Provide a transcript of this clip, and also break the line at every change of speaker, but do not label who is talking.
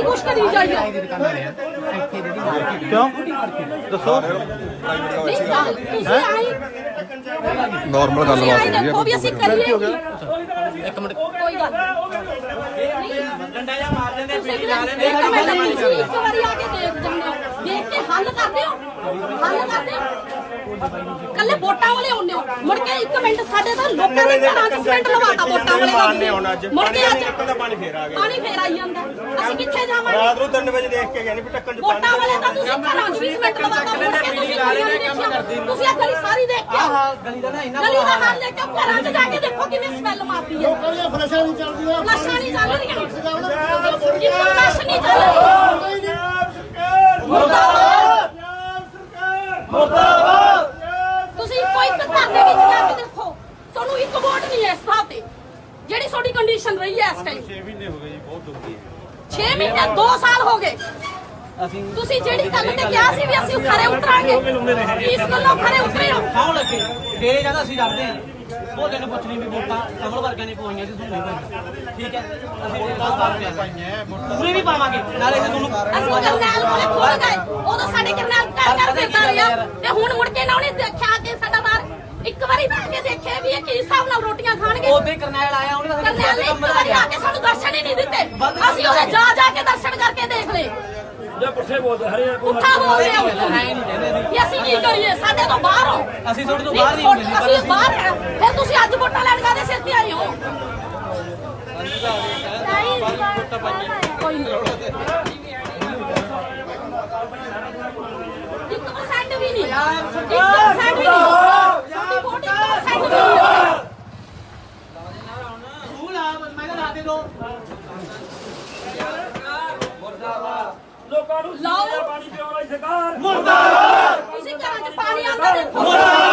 ਕੁਛ ਕਰੀ ਜਾਈਏ
ਕਿਉਂ ਦੱਸੋ
ਤੁਸੀਂ ਆਈ
ਨੋਰਮਲ ਗੱਲਬਾਤ ਹੋ ਰਹੀ
ਦੇਖੋ ਵੀ ਅਸੀਂ ਕਰੀਏ
ਇੱਕ ਮਿੰਟ
ਕੋਈ ਗੱਲ
ਡੰਡਾ ਜਾਂ ਮਾਰ ਦਿੰਦੇ
ਤੁਸੀਂ ਇੱਕ ਵਾਰੀ ਆ ਕੇ ਦੇਖ ਜਾਂਦੇ ਹੋ ਦੇਖ ਕੇ ਹੱਲ ਕਰਦੇ ਹੋ ਕੱਲੇ ਵੋਟਾਂ ਵਾਲੇ ਆਉਂਦੇ ਹੋ ਮੁੜ ਕੇ 1 ਮਿੰਟ ਸਾਡੇ ਤਾਂ ਲੋਕਾਂ ਦੇ ਘਰਾਂ 'ਚ ਸਿਮੈਂਟ ਲਵਾਤਾ ਵੋਟਾਂ ਵਾਲੇ ਮੁੜ ਕੇ ਅੱਜ
ਪਾਣੀ ਫੇਰ ਆ ਗਿਆ
ਪਾਣੀ ਫੇਰ ਆਈ ਜਾਂਦਾ ਅਸੀਂ ਕਿੱਥੇ ਜਾਵਾਂਗੇ
ਰਾਤ ਨੂੰ 3 ਵਜੇ ਦੇਖ ਕੇ ਗਏ ਨਹੀਂ ਵੀ ਟੱਕਣ ਚ
ਵੋਟਾਂ ਵਾਲੇ ਤਾਂ ਤੁਸੀਂ ਘਰਾਂ 'ਚ ਵੀ ਸਿਮੈਂਟ ਲਵਾਤਾ ਮੁੜ ਕੇ ਤੁਸੀਂ ਇਹ ਗਲੀ ਸਾਰੀ ਦੇਖ ਕੇ ਆਹ
ਗਲੀ ਦਾ ਨਾ ਇੰਨਾ
ਗਲੀ ਦਾ ਹਾਲ ਦੇਖ ਕੇ ਘਰਾਂ 'ਚ ਜਾ ਕੇ ਦੇਖੋ ਕਿੰਨੀ ਸਮੈਲ ਮਾਰਦੀ ਹੈ
ਫਲਸ਼ਾਂ ਨਹੀਂ ਚੱਲਦੀਆਂ
ਫਲਸ਼ਾਂ ਨਹੀਂ ਚੱਲ ਰਹੀਆਂ ਕਿੰਨਾ ਫਲਸ਼ ਨਹੀਂ ਚੱਲ ਰਹੀ ਤੁਸੀਂ ਕੋਈ ਘਰ ਦੇ ਵਿੱਚ ਜਾ ਕੇ ਦੇਖੋ ਤੁਹਾਨੂੰ ਇੱਕ ਵੋਟ ਨਹੀਂ ਹੈ ਇਸ ਥਾਂ ਤੇ ਜਿਹੜੀ ਤੁਹਾਡੀ ਕੰਡੀਸ਼ਨ ਰਹੀ ਹੈ ਇਸ ਟਾਈਮ
6 ਮਹੀਨੇ ਹੋ ਗਏ ਜੀ ਬਹੁਤ ਦੁਖੀ
6 ਮਹੀਨੇ 2 ਸਾਲ ਹੋ ਗਏ ਤੁਸੀਂ ਜਿਹੜੀ ਗੱਲ ਤੇ ਕਿਹਾ ਸੀ ਵੀ ਅਸੀਂ ਖਰੇ ਉਤਰਾਂਗੇ ਇਸ ਗੱਲੋਂ ਖਰੇ ਉਤਰੇ ਹੋ
ਖਾਉ ਲੱਗੇ ਡੇਰੇ ਜਿਆਦਾ ਅਸੀਂ ਡਰਦੇ ਆ ਉਹ ਦਿਨ ਪੁੱਛ ਲਈ ਵੀ ਵੋਟਾਂ ਕਮਲ ਵਰਗਿਆਂ ਨੇ ਪਵਾਈਆਂ ਸੀ ਤੁਹਾਨੂੰ ਨਹੀਂ ਠੀਕ ਹੈ ਅਸੀਂ ਵੋਟਾਂ ਪਾਵਾਂਗੇ ਪੂਰੇ ਵੀ ਪਾਵਾਂਗੇ ਨਾਲੇ ਤੁਹਾਨੂੰ
ਅਸੀਂ ਕਰਨੈਲ ਕੋਲੇ ਖੋਲ ਗਏ ਉਦੋਂ ਸਾਡੇ ਕਰਨੈਲ ਕਰ ਫਿਰਦਾ ਰਿਹਾ ਤੇ ਹੁਣ ਮੁੜ ਕੇ ਨਾ ਉਹਨੇ ਦੇਖਿਆ ਕਿ ਸਾਡਾ ਬਾਹਰ ਇੱਕ ਵਾਰੀ ਤਾਂ ਆ ਕੇ ਦੇਖਿਆ ਵੀ ਇਹ ਕੀ ਹਿਸਾਬ ਨਾਲ ਰੋਟੀਆਂ ਖਾਣਗੇ
ਉਹਦੇ ਕਰਨੈਲ ਆਇਆ ਉਹਨੇ
ਕਰਨੈਲ ਨੇ ਇੱਕ ਵਾਰੀ ਆ ਕੇ ਸਾਨੂੰ ਦਰਸ਼ਨ ਹੀ ਨਹੀਂ ਦਿੱਤੇ ਅਸੀਂ ਉਹਦੇ ਜਾ ਕੇ ਦਰਸ਼ਨ ਕਰਕੇ ਦੇਖ ਲਏ
ਜੇ ਪੁੱਠੇ ਬੋਲਦੇ ਹਰੇ
ਪੁੱਠਾ ਬੋਲ ਰਹੇ ਹੋ ਵੀ ਅਸੀਂ ਕੀ ਕਰੀਏ ਸਾਡੇ ਤੋਂ ਬਾਹਰ ਹੋ
ਅਸੀਂ ਤੁਹਾਡੇ ਤੋਂ ਬਾਹਰ ਨਹੀਂ ਹੁੰਦੇ
ਅਸੀਂ ਬਾਹਰ ਆ ਫਿਰ ਤੁਸੀਂ ਅੱਜ ਵੋਟਾਂ ਲੈਣ ਕਾਹਦੇ ਸਿਰ ਤੇ ਆਏ ਹੋ ਕੋਈ ਨਹੀਂ 1% ਵੀ ਨਹੀਂ 1% ਵੀ ਨਹੀਂ ਸਾਡੀ ਵੋਟ 1% ਵੀ ਨਹੀਂ
ਸਕੂਲ ਆ ਮੈਂ ਤਾਂ ਲਾ ਦੇ ਦੋ
ਲੋਕਾਂ ਨੂੰ
ਲਾਓ
ਪਾਣੀ ਪਿਆਉਣ ਵਾਲੀ ਸਰਕਾਰ
ਮੁਰਦਾਬਾਦ ਤੁਸੀਂ ਘਰਾਂ 'ਚ ਪਾਣੀ ਆਉਂਦਾ ਦੇਖੋ